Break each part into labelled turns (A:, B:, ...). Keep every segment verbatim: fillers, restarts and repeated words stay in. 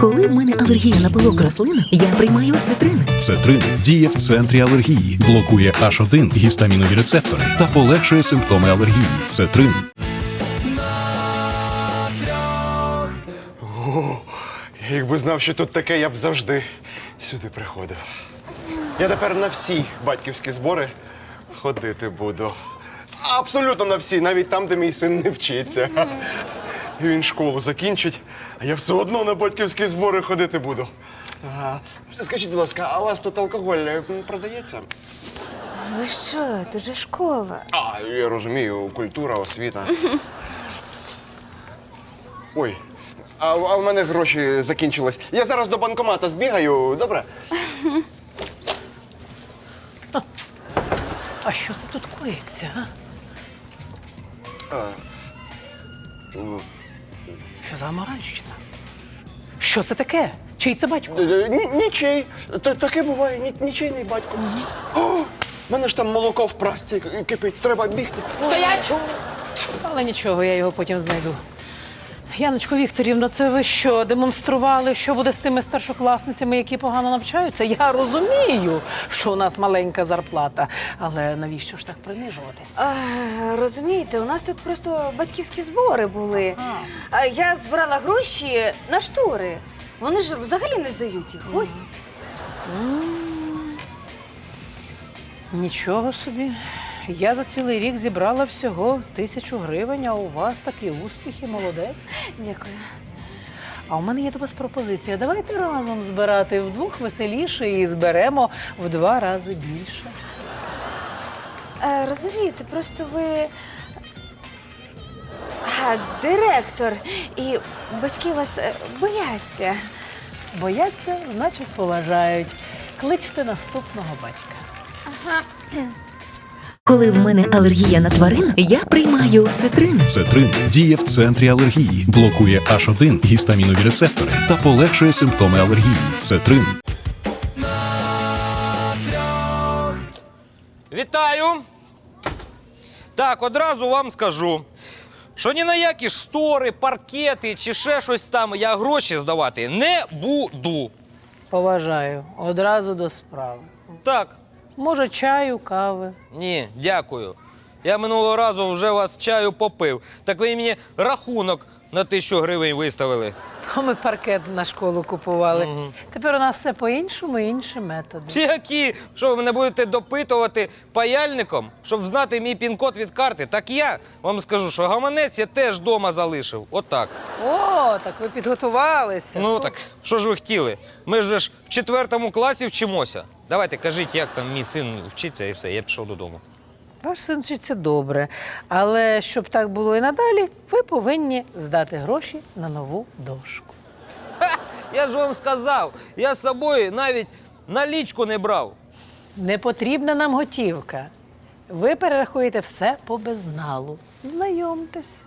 A: Коли в мене алергія на пилок рослин, я приймаю цитрин.
B: Цетрин діє в центрі алергії, блокує аш один гістамінові рецептори та полегшує симптоми алергії. Цетрин.
C: О, якби знав, що тут таке, я б завжди сюди приходив. Я тепер на всі батьківські збори ходити буду. Абсолютно на всі, навіть там, де мій син не вчиться. І він школу закінчить, а я все одно на батьківські збори ходити буду. Ага. Скажіть, будь ласка, а у вас тут алкоголь продається?
D: Ви що, тут же школа.
C: А, я розумію, культура, освіта. Ой, а, а в мене гроші закінчились. Я зараз до банкомата збігаю, добре?
E: А що це тут коїться, а?
C: А,
E: Що за аморальщина? Що це таке? Чий це батько?
C: Ні- ні- Нічий. Та- Таке буває, ні- нічийний батько. О, в мене ж там молоко в прасці кипить, треба бігти.
E: Стоять! Але нічого, я його потім знайду. Яночко Вікторівно, це ви що, демонстрували, що буде з тими старшокласницями, які погано навчаються? Я розумію, що у нас маленька зарплата, але навіщо ж так принижуватись?
D: А, розумієте, у нас тут просто батьківські збори були. А, я збирала гроші на штори. Вони ж взагалі не здають їх. Ось.
E: Нічого собі. Я за цілий рік зібрала всього тисячу гривень, а у вас такі успіхи, молодець.
D: Дякую.
E: А у мене є до вас пропозиція. Давайте разом збирати вдвох веселіше і зберемо в два рази більше.
D: А, розумієте, просто ви а, директор, і батьки вас е, бояться.
E: Бояться, значить, поважають. Кличте наступного батька.
A: Коли в мене алергія на тварин, я приймаю цитрин.
B: Цетрин діє в центрі алергії, блокує аш один гістамінові рецептори та полегшує симптоми алергії. Цетрин.
F: Вітаю! Так, одразу вам скажу, що ні на які штори, паркети чи ще щось там я гроші здавати не буду.
E: Поважаю. Одразу до справи.
F: Так,
E: Може, чаю, кави.
F: ні, дякую. Я минулого разу вже вас чаю попив. Так ви мені рахунок на тисячу гривень виставили.
E: То ми паркет на школу купували. Тепер у нас все по-іншому, інші методи.
F: Які? Що ви мене будете допитувати паяльником, щоб знати мій пін-код від карти? Так я вам скажу, що гаманець я теж вдома залишив. Отак.
E: О, так ви підготувалися.
F: Ну
E: Супер.
F: так, що ж ви хотіли? Ми ж ж в четвертому класі вчимося. Давайте, кажіть, як там мій син вчиться і все, я пішов додому.
E: Ваш син вчиться добре, але щоб так було і надалі, ви повинні здати гроші на нову дошку.
F: Ха! Я ж вам сказав, я з собою навіть налічку не брав.
E: Не потрібна нам готівка. Ви перерахуєте все по безналу. Знайомтесь.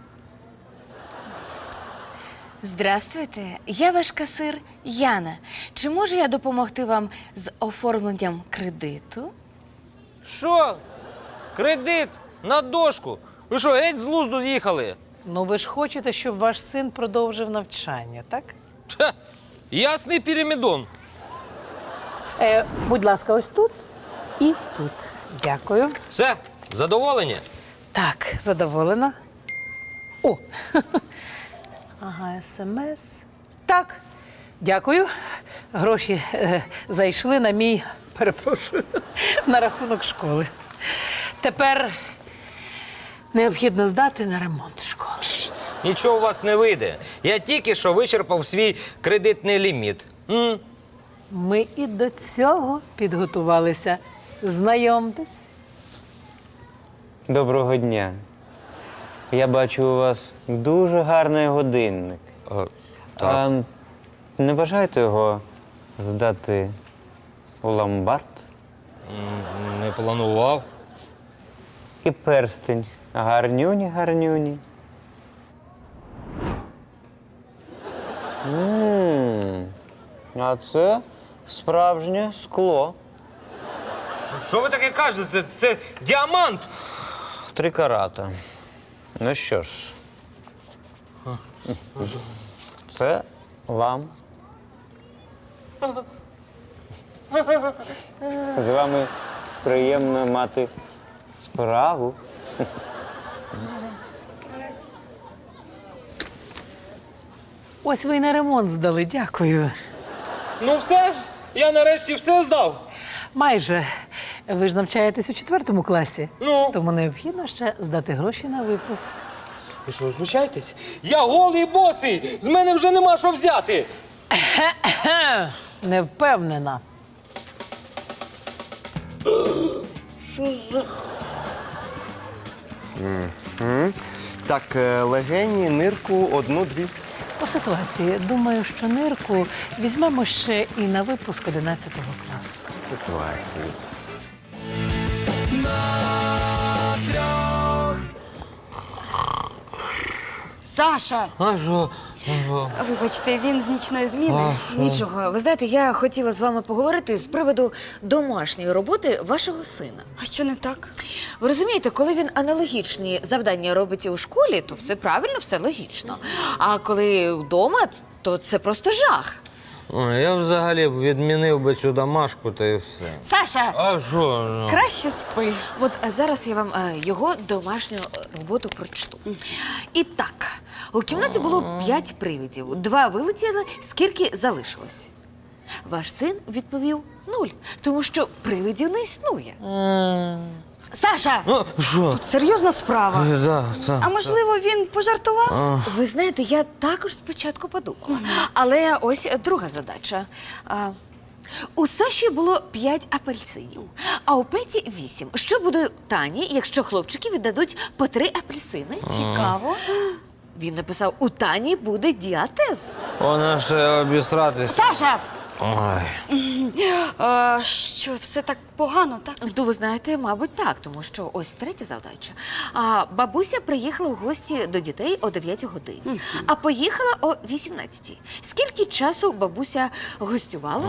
D: Здравствуйте, я ваш касир Яна. Чи можу я допомогти вам з оформленням кредиту?
F: Що? Кредит на дошку? Ви що, геть з глузду з'їхали?
E: Ну ви ж хочете, щоб ваш син продовжив навчання, так?
F: Ха! Ясний пірамідон.
E: Е, будь ласка, ось тут і тут. Дякую.
F: Все, задоволені?
E: Так, задоволена. О! Ага, смс. Так, дякую. Гроші е, зайшли на мій, перепрошую, на рахунок школи. Тепер необхідно здати на ремонт школи.
F: Нічого у вас не вийде. Я тільки що вичерпав свій кредитний ліміт. М?
E: Ми і до цього підготувалися. Знайомтесь.
G: Доброго дня. Я бачу, у вас дуже гарний годинник.
F: А,
G: А не бажаєте його здати у ломбард?
F: не планував.
G: І перстень. Гарнюні, гарнюні. Ммм, а це справжнє скло.
F: Що ви таке кажете? Це діамант.
G: Три карата. Ну що ж, це вам З вами приємно мати справу.
E: Ось ви й на ремонт здали, дякую.
F: Ну все, я нарешті все здав.
E: Майже. Ви ж навчаєтесь у четвертому класі.
F: Ну?
E: Тому необхідно ще здати гроші на випуск.
F: Ви що, знущаєтесь? Я голий і босий! З мене вже нема що взяти!
E: Не впевнена.
C: Так, е, легені, нирку, одну-дві.
E: По ситуації, думаю, що нирку візьмемо ще і на випуск одинадцятого класу.
C: Ситуації.
H: Саша!
F: А що?
H: Вибачте, він з нічної зміни.
D: Нічого, ви знаєте, я хотіла з вами поговорити з приводу домашньої роботи вашого сина.
H: А що не так?
D: Ви розумієте, коли він аналогічні завдання робить і у школі, то все правильно, все логічно. А коли вдома, то це просто жах.
F: Ой, я взагалі б відмінив би цю домашку та і все.
H: Саша,
F: А що? ну?
H: краще спи.
D: От а зараз я вам е, його домашню роботу прочту. І так, у кімнаті було п'ять привидів. Два вилетіли, скільки залишилось? Ваш син відповів нуль, тому що привидів не існує.
H: Саша,
F: А, що?
H: тут серйозна справа.
F: Е, Да, так.
H: А можливо, він пожартував?
D: Ви знаєте, я також спочатку подумала. Але ось друга задача. А, у Саші було п'ять апельсинів, а у Петі вісім. Що буде у Тані, якщо хлопчики віддадуть по три апельсини?
H: Цікаво.
D: Він написав, у Тані буде діатез.
F: Вона ще обісратись.
H: Саша!
F: Ой.
H: А, що, все так погано, так?
D: Ну, ви знаєте, мабуть, так, тому що ось третя завдача. А бабуся приїхала в гості до дітей о дев'ятій годині, а поїхала о вісімнадцятій. Скільки часу бабуся гостювала?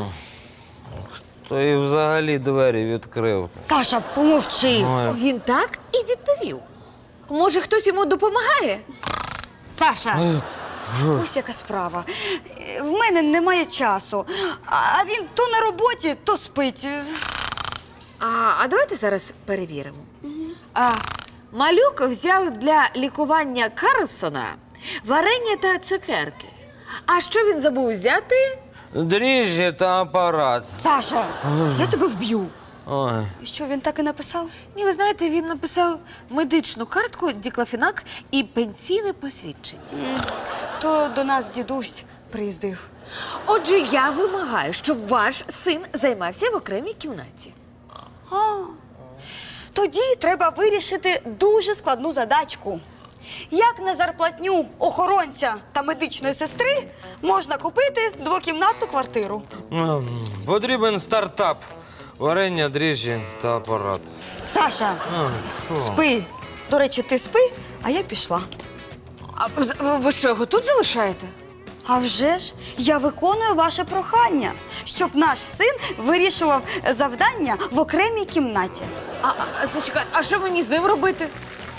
F: То і взагалі двері відкрив.
H: Саша, помовчи.
F: Ой.
D: Він так і відповів. Може, хтось йому допомагає?
H: Саша, ось яка справа. Е, В мене немає часу. А він то на роботі, то спить.
D: А, а давайте зараз перевіримо. А, малюк взяв для лікування Карлсона варення та цукерки. А що він забув взяти?
F: Дріжджі та апарат.
H: Саша, я тебе вб'ю.
F: Ой.
H: Що, він так і написав?
D: Ні, ви знаєте, він написав медичну картку, діклафенак і пенсійне посвідчення.
H: То до нас дідусь приїздив.
D: Отже, я вимагаю, щоб ваш син займався в окремій кімнаті.
H: А, тоді треба вирішити дуже складну задачку. Як на зарплатню охоронця та медичної сестри можна купити двокімнатну квартиру?
F: Ем, Потрібен стартап. Варення, дріжджі та апарат.
H: Саша,
F: А, що?
H: спи. До речі, ти спи, а я пішла.
D: А ви- ви що, його тут залишаєте?
H: А вже ж, я виконую ваше прохання, щоб наш син вирішував завдання в окремій кімнаті.
D: А, а, а, зачекай, а що мені з ним робити?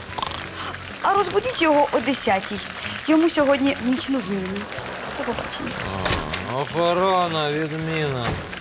H: А розбудіть його о десятій. Йому сьогодні в нічну зміну. До побачення.
F: Охорона, відміна.